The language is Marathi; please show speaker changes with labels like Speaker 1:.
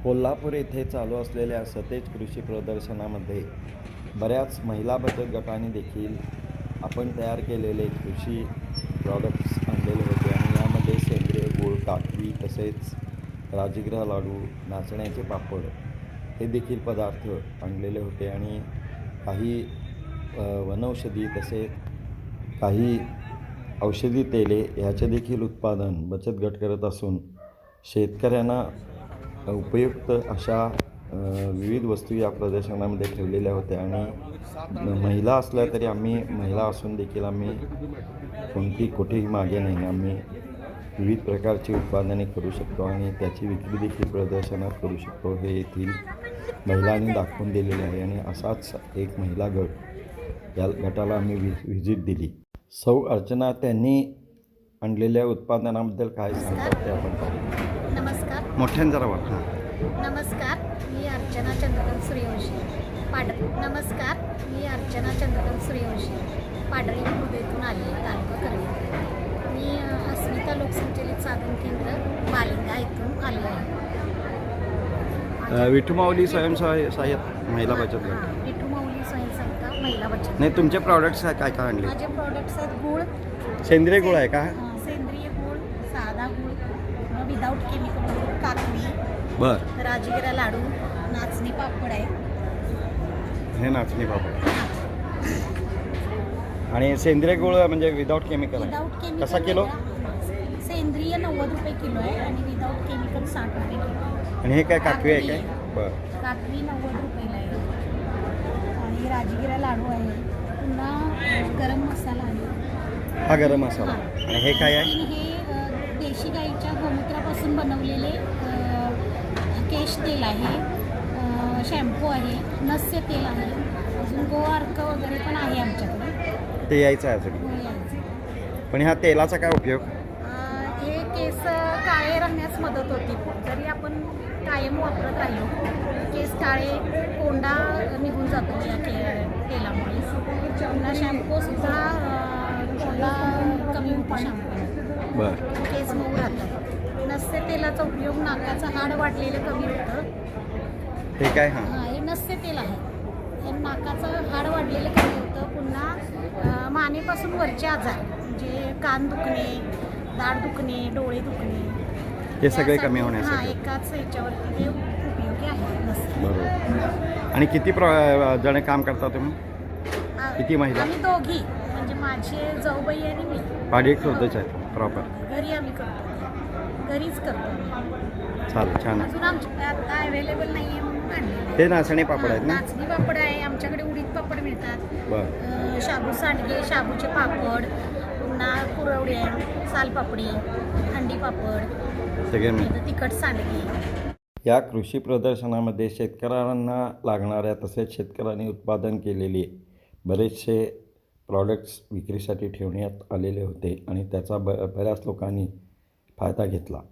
Speaker 1: कोल्हापूर येथे चालू असलेल्या सतेज कृषी प्रदर्शनामध्ये बऱ्याच महिला बचत गटांनी देखील आपण तयार केलेले कृषी प्रॉडक्ट्स आणलेले होते आणि यामध्ये सेंद्रिय गूळ, काकवी तसेच राजगिरा लाडू, नाचण्याचे पापड हे देखील पदार्थ आणलेले होते आणि काही वनौषधी तसेच काही औषधी तेले ह्याचे देखील उत्पादन बचत गट करत असून शेतकऱ्यांना उपयुक्त अशा विविध वस्तू या प्रदर्शनामध्ये ठेवलेल्या होत्या आणि महिला असल्या तरी आम्ही महिला असून देखील आम्ही कुठेही मागे नाही. आम्ही विविध प्रकारची उत्पादने करू शकतो आणि त्याची विक्री देखील प्रदर्शनात करू शकतो हे येथील महिलांनी दाखवून दिलेले आहे आणि असाच एक महिला गट या गटाला आम्ही व्हिजिट दिली. सौ अर्चना त्यांनी आणलेल्या उत्पादनाबद्दल काय सांगतात ते आपण पाहू.
Speaker 2: नमस्कार.
Speaker 1: मोठ्यानं जरा वाट.
Speaker 2: नमस्कार, मी अर्चना चंद्रकांत सूर्यवंशी नमस्कार, मी अर्चना चंद्रकांत सूर्यवंशी पाडळी मुंबईतून आले तालुका करवीर. मी अस्मिता लोकसंचलित साधन केंद्र मालिंगा इथून आले आहे.
Speaker 1: विठुमाऊली स्वयंसहाय्यता महिला बचत गट.
Speaker 2: विठुमाऊली स्वयंसहायता महिला बचत.
Speaker 1: नाही, तुमचे प्रॉडक्ट्स काय काय आणले?
Speaker 2: माझे प्रॉडक्ट्स आहेत गूळ,
Speaker 1: सेंद्रिय गूळ आहे का?
Speaker 2: सेंद्रिय गूळ, साधा गूळ, विदाऊट केमिकल गूळ, काकवी, राजगिरा लाडू, नाचणी पापड आहे.
Speaker 1: हे नाचणी पापड आणि सेंद्रिय गूळ म्हणजे विदाऊट केमिकल आहे. कसा किलो?
Speaker 2: सेंद्रिय 90 रुपये किलो आहे आणि विदाऊट केमिकल 60 रुपये किलो.
Speaker 1: आणि हे काय काकवी आहे काय?
Speaker 2: काकवी 90 रुपयाला आहे आणि राजगिरा लाडू आहे. पुन्हा गरम मसाला आहे.
Speaker 1: हा गरम मसाला. आणि हे काय आहे?
Speaker 2: हे देशी गाईच्या गोमूत्रापासून बनवलेले केश तेल आहे, शॅम्पू आहे, नस्य तेल आहे, अजून गोआर्क वगैरे पण आहे आमच्याकडे.
Speaker 1: ते यायचं आहे अजून. पण ह्या तेलाचा काय उपयोग?
Speaker 2: हे केस काळे राहण्यास मदत होती. जरी आपण कायम वापरत राहिलो केस काळे कोंडा निघून जातो या तेलामुळे. पुन्हा शॅम्पूसुद्धा कोंडा कमी होतो. शॅम्पू केस मऊ राहतात. नस्य तेलाचा उपयोग नाकाचं हाड वाढलेलं कमी होतं.
Speaker 1: हे काय?
Speaker 2: हे नस्य तेल आहे. हे नाकाचं हाड वाढलेलं कमी होतं. पुन्हा मानेपासून वरचे आजार म्हणजे कान दुखणे, दाढ दुखणे, डोळे दुखणे
Speaker 1: हे सगळे कमी होण्यासाठी
Speaker 2: एकाच ह्याच्यावरती ते उपयोगी आहे नस्य.
Speaker 1: बरोबर. आणि किती जण काम करता तुम्ही? किती महिला?
Speaker 2: आम्ही दोघी म्हणजे माझे जाऊबाई आणि मी.
Speaker 1: पाडी शोधच आहे प्रॉपर.
Speaker 2: घरी आम्ही करतो, घरीच करतो.
Speaker 1: चालेल, छान.
Speaker 2: अजून आमच्या आता अवेलेबल नाही आहे म्हणून आणले.
Speaker 1: ते नाचणी पापड आहेत ना?
Speaker 2: नाचणी पापड आहे आमच्याकडे. उडीद पापड मिळतात. शाबू सांडगे, शाबूचे पापड, पुन्हा कुरवडी आहे, सालपापडी, हंडी पापड सगळे मिळतात. तिखट सांडगे.
Speaker 1: या कृषी प्रदर्शनामध्ये शेतकऱ्यांना लागणाऱ्या तसेच शेतकऱ्यांनी उत्पादन केलेले बरेचसे प्रॉडक्ट्स विक्रीसाठी ठेवण्यात आलेले होते आणि त्याचा बऱ्याच लोकांनी फायदा घेतला.